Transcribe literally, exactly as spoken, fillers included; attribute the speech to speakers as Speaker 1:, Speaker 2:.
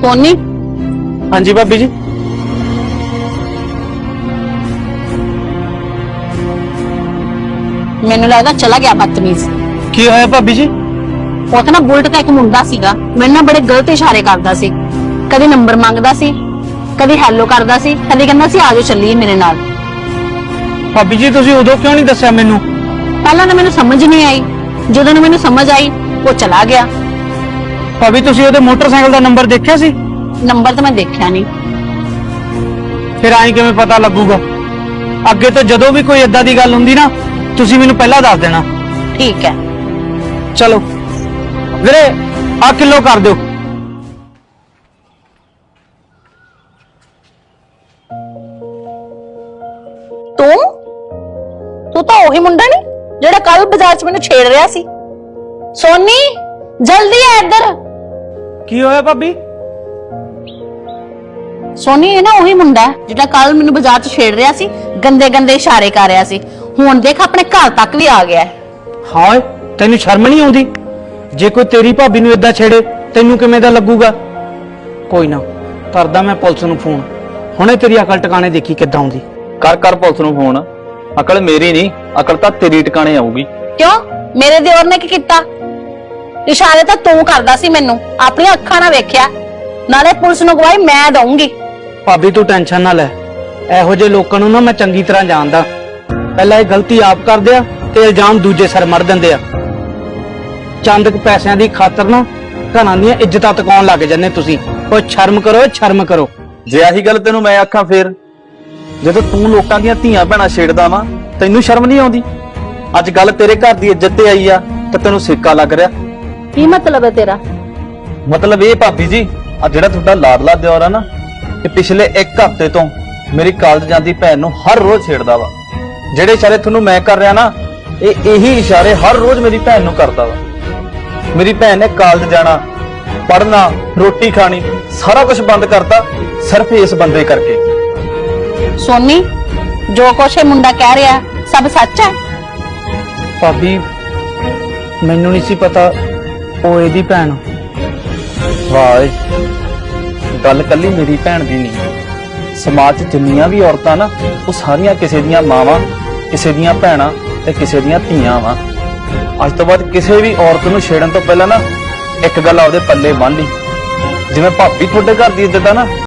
Speaker 1: सोनी।
Speaker 2: हाँ जी भाभी जी।
Speaker 1: मैनू लगदा चला गया बदतमीज।
Speaker 2: की होया भाभी जी?
Speaker 1: उत्थे ना बुलट का एक मुंडा सीगा, मैनू ना बड़े गलत इशारे करदा सी। कदी नंबर मंगदा सी, कदी हैलो करदा सी, कदी कहंदा सी आ जाओ चलिए मेरे नाल।
Speaker 2: भाभी जी तुसी उदों क्यों नहीं दस्सिया मैनू?
Speaker 1: पहला ना मैनू समझ नहीं आई, जदों ना मैनू समझ आई वो चला गया।
Speaker 2: भाभी तुसी ओदे मोटरसाइकिल दा नंबर देखिया सी?
Speaker 1: नंबर तो मैं देखा नहीं।
Speaker 2: फिर आई किवें पता लगूगा? अगे तो जदों भी कोई इदां दी गल हुंदी ना तुसी मैनू पहला दस देना।
Speaker 1: ठीक है
Speaker 2: चलो वीरे आ किलो कर दो।
Speaker 1: तू तू तो वही मुंडा नहीं जेड़ा कल बाजार च मैनू छेड़ रहा सी। सोनी जल्दी आ इधर।
Speaker 2: की होया भाभी?
Speaker 1: सोनी ये ना वही मुंडा है जिहड़ा कल मैनू बाजार च छेड़ रहा सी, गंदे गंदे इशारे कर रहा सी। हुण देख अपने घर तक भी आ गया है।
Speaker 2: हाँ तेनू शर्म नहीं आउंदी? जे कोई तेरी भाभी नू इदां छेड़े तेनू किवें दा लगूगा? कोई ना करदा मैं पुलिस नू फोन, हुणे तेरी अकल टिकाणे देखी किद्दां आउंदी।
Speaker 3: कर कर पुलिस नूं फोन। अकल मेरी नहीं, अकल तां तेरी टिकाणे आऊगी।
Speaker 1: क्यों मेरे दियोर ने की कीता? इशारे तो तू करदा सी, मैनू अपनी अखां नाल वेख्या, नाले पुलिस नूं गवाही मैं दूंगी।
Speaker 2: भाभी तू टेंशन ना लै, एहो जे लोकां नूं ना मैं चंगी तरह जानदा। पहला ये गलती आप करदे आ ते इल्जाम दूजे सिर मर दिंदे आ। चंद क पैसिਆਂ ਦੀ खातर ना घरां ਦੀਆਂ ਇੱਜ਼ਤਾਂ ਤਕਾਉਣ ਲੱਗ ਜੰਨੇ ਤੁਸੀਂ। ਓਏ ਸ਼ਰਮ ਕਰੋ, ਸ਼ਰਮ ਕਰੋ।
Speaker 3: जे आही गल तेनू मैं आखां फिर ਜਦੋਂ ਤੂੰ ਲੋਕਾਂ ਦੀਆਂ ਧੀਆਂ ਭੈਣਾਂ ਛੇੜਦਾ ਵਾ ਤੈਨੂੰ ਸ਼ਰਮ ਨਹੀਂ ਆਉਂਦੀ? ਅੱਜ ਗੱਲ ਤੇਰੇ ਘਰ ਦੀ ਇੱਜ਼ਤ ਤੇ ਆਈ ਆ ਤੇ ਤੈਨੂੰ ਸਿੱਕਾ ਲੱਗ ਰਿਹਾ।
Speaker 1: ਕੀ मतलब है तेरा?
Speaker 3: ਮਤਲਬ ਇਹ ਭਾਬੀ ਜੀ ਆ ਜਿਹੜਾ ਤੁਹਾਡਾ ਲਾਡਲਾ ਦਿਓਰ ਆ ਨਾ ਇਹ ਪਿਛਲੇ ਇੱਕ ਹਫ਼ਤੇ ਤੋਂ ਮੇਰੀ ਕਾਲਜ ਜਾਂਦੀ ਭੈਣ ਨੂੰ ਹਰ ਰੋਜ਼ ਛੇੜਦਾ ਵਾ। ਜਿਹੜੇ ਇਸ਼ਾਰੇ ਤੁਹਾਨੂੰ ਮੈਂ ਕਰ ਰਿਹਾ ਨਾ ਇਹ ਇਹੀ ਇਸ਼ਾਰੇ ਹਰ ਰੋਜ਼ ਮੇਰੀ ਭੈਣ ਨੂੰ ਕਰਦਾ ਵਾ। ਮੇਰੀ ਭੈਣ ਨੇ ਕਾਲਜ ਜਾਣਾ, ਪੜ੍ਹਨਾ, ਰੋਟੀ ਖਾਣੀ ਸਾਰਾ ਕੁਝ ਬੰਦ ਕਰਤਾ ਸਿਰਫ ਇਸ ਬੰਦੇ ਕਰਕੇ।
Speaker 1: सोनी जो कुछ ये मुंडा कह रहा है सब सच है?
Speaker 2: ਭਾਬੀ ਮੈਨੂੰ ਨਹੀਂ ਸੀ ਪਤਾ ਉਹ ਇਹਦੀ ਭੈਣ।
Speaker 3: ਵਾਹ ਏ, ਗੱਲ ਕੱਲੀ ਮੇਰੀ ਭੈਣ ਦੀ ਨਹੀਂ, ਸਮਾਜ 'ਚ ਜਿੰਨੀਆਂ ਵੀ ਔਰਤਾਂ ਨਾ ਉਹ ਸਾਰੀਆਂ ਕਿਸੇ ਦੀਆਂ ਮਾਵਾਂ, ਕਿਸੇ ਦੀਆਂ ਭੈਣਾਂ ਤੇ ਕਿਸੇ ਦੀਆਂ ਧੀਆਂ ਵਾ। ਅੱਜ ਤੋਂ ਬਾਅਦ ਕਿਸੇ ਵੀ ਔਰਤ ਨੂੰ ਛੇੜਨ ਤੋਂ ਪਹਿਲਾਂ ਨਾ ਇੱਕ ਗੱਲ ਆਪਦੇ ਪੱਲੇ ਬੰਨ੍ਹ ਲਈ, ਜਿਵੇਂ ਭਾਬੀ ਤੁਹਾਡੇ ਘਰ ਦੀ ਇੱਜ਼ਤ ਆ ਨਾ